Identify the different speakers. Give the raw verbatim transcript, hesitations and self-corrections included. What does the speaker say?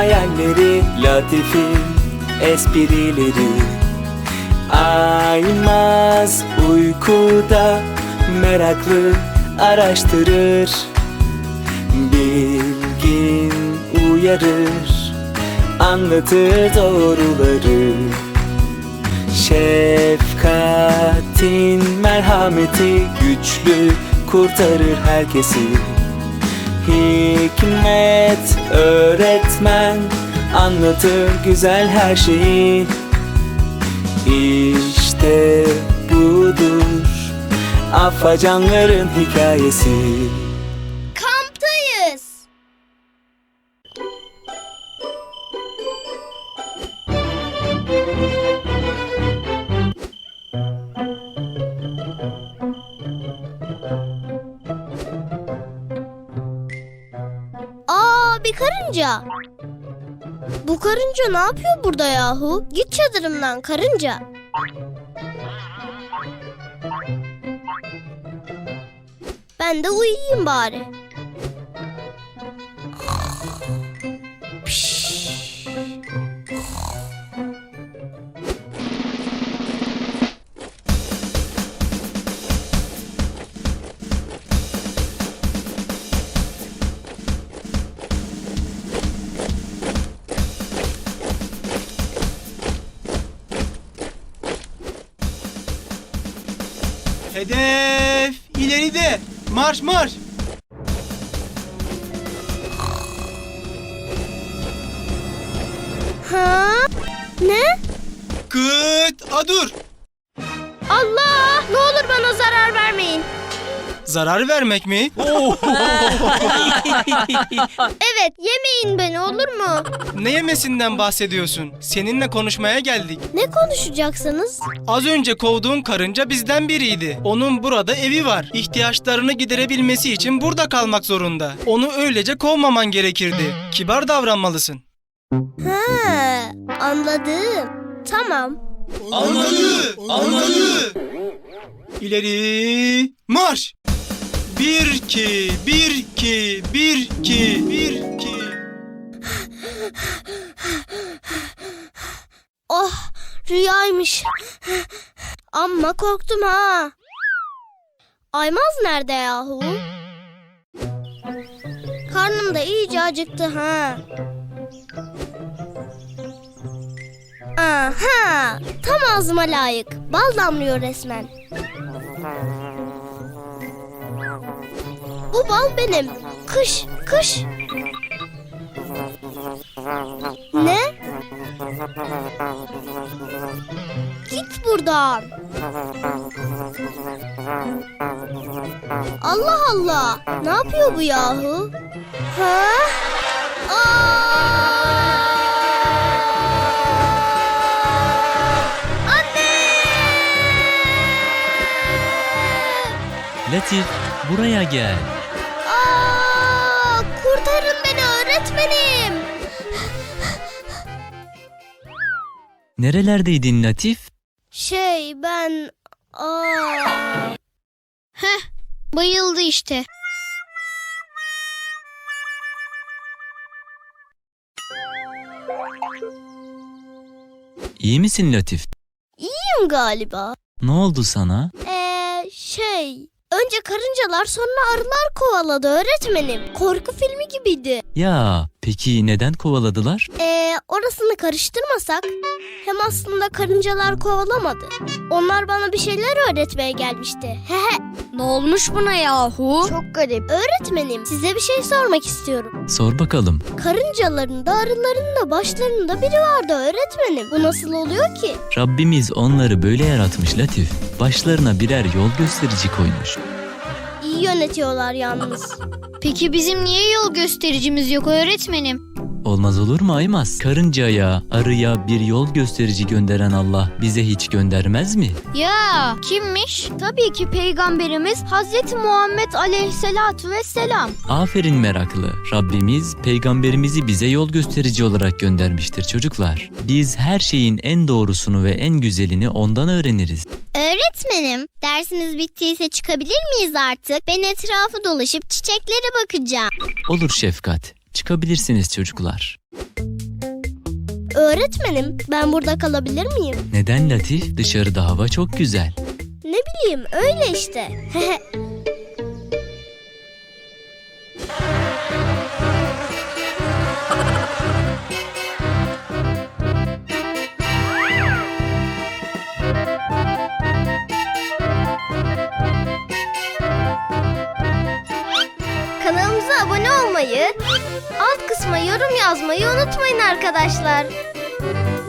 Speaker 1: hayalleri, Latif'in esprileri. Aymaz uykuda meraklı araştırır, bilgin uyarır, anlatır doğruları. Şefkatin merhameti güçlü kurtarır herkesi. Hikmet öğretmen anlatır güzel her şeyi. İşte budur Afacanların hikayesi.
Speaker 2: Kamptayız. Aa, bir karınca. Bu karınca ne yapıyor burada yahu? Git çadırımdan karınca. Ben de uyuyayım bari.
Speaker 3: Hedef ileride. Marş marş.
Speaker 2: Ha? Ne?
Speaker 3: Kıt adur.
Speaker 2: Allah! Ne olur bana zarar vermeyin.
Speaker 3: Zarar vermek mi?
Speaker 2: Evet, yemeyin beni olur mu?
Speaker 3: Ne yemesinden bahsediyorsun? Seninle konuşmaya geldik.
Speaker 2: Ne konuşacaksınız?
Speaker 3: Az önce kovduğun karınca bizden biriydi. Onun burada evi var. İhtiyaçlarını giderebilmesi için burada kalmak zorunda. Onu öylece kovmaman gerekirdi. Kibar davranmalısın.
Speaker 2: Ha, anladım. Tamam.
Speaker 3: Anladı, anladı. İleri marş. Bir iki, bir iki, bir iki, bir iki.
Speaker 2: Oh, rüyaymış. Amma korktum ha. Aymaz nerede yahu? Karnım da iyice acıktı ha. Aha, tam ağzıma layık. Bal damlıyor resmen. Bu bal benim. Kış, kış. Ne? Git buradan. Allah Allah. Ne yapıyor bu yahu? Ha? Aa!
Speaker 4: Latif, buraya gel.
Speaker 2: Aa, kurtarın beni öğretmenim.
Speaker 4: Nerelerdeydin Latif?
Speaker 2: Şey ben... Aa. Heh, bayıldı işte.
Speaker 4: İyi misin Latif?
Speaker 2: İyiyim galiba.
Speaker 4: Ne oldu sana?
Speaker 2: Ee, şey... Önce karıncalar sonra arılar kovaladı öğretmenim. Korku filmi gibiydi.
Speaker 4: Ya, peki neden kovaladılar?
Speaker 2: Ee, orasını karıştırmasak. Hem aslında karıncalar kovalamadı. Onlar bana bir şeyler öğretmeye gelmişti. Hehe.
Speaker 5: Ne olmuş buna yahu?
Speaker 2: Çok garip. Öğretmenim, size bir şey sormak istiyorum.
Speaker 4: Sor bakalım.
Speaker 2: Karıncaların da arıların da başlarında biri vardı öğretmenim. Bu nasıl oluyor ki?
Speaker 4: Rabbimiz onları böyle yaratmış Latif. Başlarına birer yol gösterici koymuş.
Speaker 2: İyi yönetiyorlar yalnız.
Speaker 5: Peki bizim niye yol göstericimiz yok öğretmenim?
Speaker 4: Olmaz olur mu Aymaz? Karıncaya, arıya bir yol gösterici gönderen Allah bize hiç göndermez mi?
Speaker 5: Ya kimmiş? Tabii ki Peygamberimiz Hazreti Muhammed Aleyhisselatu Vesselam.
Speaker 4: Aferin meraklı. Rabbimiz peygamberimizi bize yol gösterici olarak göndermiştir çocuklar. Biz her şeyin en doğrusunu ve en güzelini ondan öğreniriz.
Speaker 2: Öğretmenim, dersiniz bittiyse çıkabilir miyiz artık? Ben etrafı dolaşıp çiçeklere bakacağım.
Speaker 4: Olur Şefkat. Çıkabilirsiniz çocuklar.
Speaker 2: Öğretmenim, ben burada kalabilir miyim?
Speaker 4: Neden Latif? Dışarıda hava çok güzel.
Speaker 2: Ne bileyim, öyle işte.
Speaker 5: Kanalımıza abone olmayı, alt kısma yorum yazmayı unutmayın arkadaşlar.